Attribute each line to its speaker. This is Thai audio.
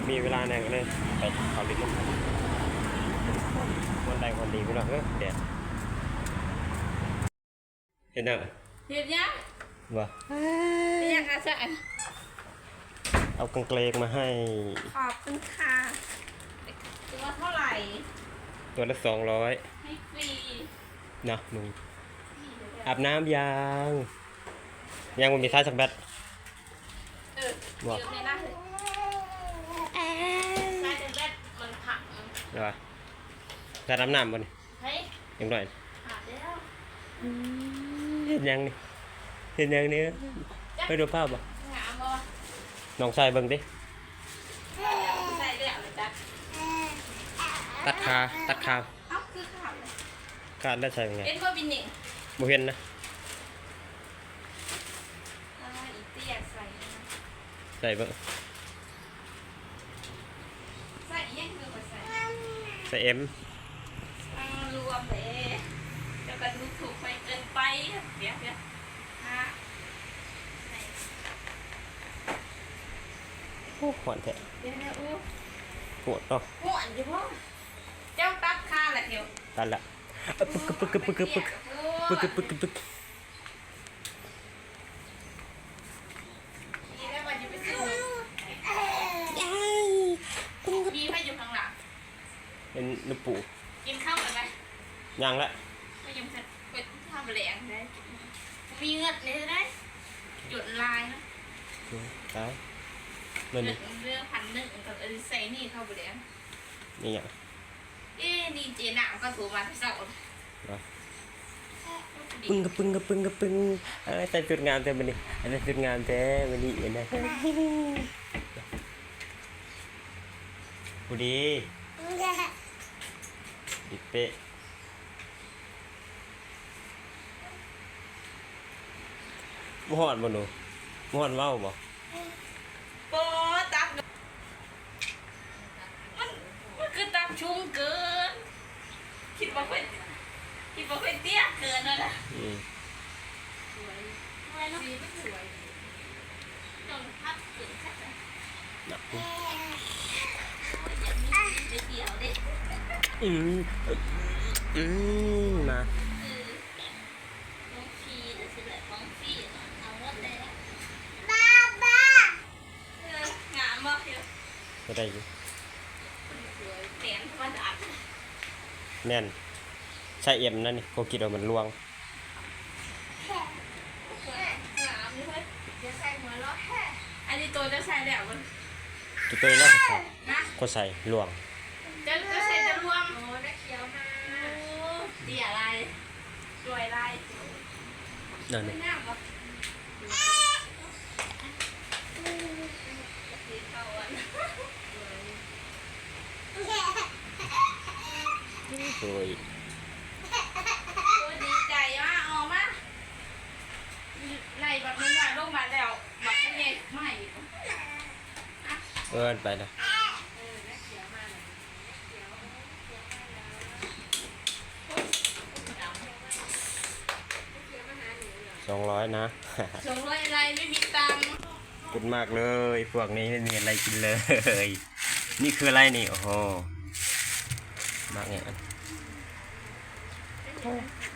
Speaker 1: มีเวลาแน่ก็เลยไปเขาลิ้นน้ำวันใดวันดีพี่น้องเดี๋ยวเห็นยัง
Speaker 2: เห็นยัง
Speaker 1: วะ
Speaker 2: เห็นยังอาจารย์
Speaker 1: เอากางเกงมาให้
Speaker 2: ขอบคุณค่ะตัวเท่าไหร่
Speaker 1: ตัวละ200
Speaker 2: ให้ฟรี
Speaker 1: นะมึงอาบน้ำยังมันมีท่าสักแบต
Speaker 2: บอกในหน้าเลยใช่แต่แบตมันผัก
Speaker 1: เดี๋ยวจะอาบน้ำบ่นี่
Speaker 2: เฮ้ย
Speaker 1: ยังหน่อย
Speaker 2: อาบแล้ว
Speaker 1: เห็นยังนี่เห็นยังนี่ไปดูภาพบ่
Speaker 2: งามบ่
Speaker 1: น้องชายเบิ่งดิ
Speaker 2: ใส่แล้วเลยจ้ะ
Speaker 1: ตัดขา
Speaker 2: เอ้าคือขาดเลย
Speaker 1: ขาดแล้วใช่ยังไง
Speaker 2: เอ็นบ่บินนี่
Speaker 1: บ่เห็นนะ
Speaker 2: อีเตี้ย
Speaker 1: ใส่เบิ่ง
Speaker 2: ใส่ยังคือบ่ใส่
Speaker 1: เอ็ม
Speaker 2: รวมเลยเดี๋ยวก็ดูถูกไปเกินไปเดี๋ยวฮะ
Speaker 1: โอ้หวานแท้
Speaker 2: เดี๋ยวอู้
Speaker 1: ปวดเนาะ
Speaker 2: หวานอยู่บ่เจ้าตัดขาแหละเดี๋ยว
Speaker 1: ตัดละปึ๊ก
Speaker 2: นี่ได้มาอยู่ไปซื้อมีให้อยู่ข้างหลัง
Speaker 1: เป็นลูกปู
Speaker 2: กินข้าวกันไหม
Speaker 1: ยังละ
Speaker 2: ก็ยังจะไปทำแหลงได้มีเงินเลยได้หยุดลายนะ
Speaker 1: ตาย
Speaker 2: เงินเรื่อง1,100กับใส่นี่เข้าไปแหลง
Speaker 1: นี่อย่าง
Speaker 2: นี่เจน่าก็ถูกมาที่เสา
Speaker 1: ปึ้งใส่จุดงามเต็มไปนี่อันนี้จุดงามเต็มไปนี่เห็นไหมผู้ดีดิเป๊ะบ่ฮอดบ่หนูบ่ฮอดเว้าบ่
Speaker 2: โป๊ตับมันคือตับชุ่มเกินคิดว่าเป็นเตี้ยเกินเลยนะสวยเนาะสวยจนพัดถึงแค่ไหน
Speaker 1: นัก
Speaker 2: เดียวดิ
Speaker 1: มา
Speaker 2: ของฟรีแต่สิแหละของฟรีเอาหมดเลยงามมากเดียว
Speaker 1: ก็ได้อยู่
Speaker 2: แน่นธรรมดา
Speaker 1: แน่นใช่เอ็มนั่นนี่เขาคิดว่ามันลวง
Speaker 2: อันนี้ตัวจะใส่แล้วมัน
Speaker 1: ตัวแรกเขาใส่ลวง
Speaker 2: จะใส่จะรวมโอ้ได้เขียวมาเดี่ยอะไรสวยอะไร
Speaker 1: นั่นนี่โอ้ย
Speaker 2: ดีใจมากออกมาในแบบนี้ลงมาแล้วแบบนี้ไม่
Speaker 1: ไปนะ200นะ
Speaker 2: 200อะไรไม่มีตังค์
Speaker 1: ขอบคุณมากเลยพวกนี้ไม่มีอะไรกินเลยนี่คืออะไรนี่โอ้โหมากเนี่ย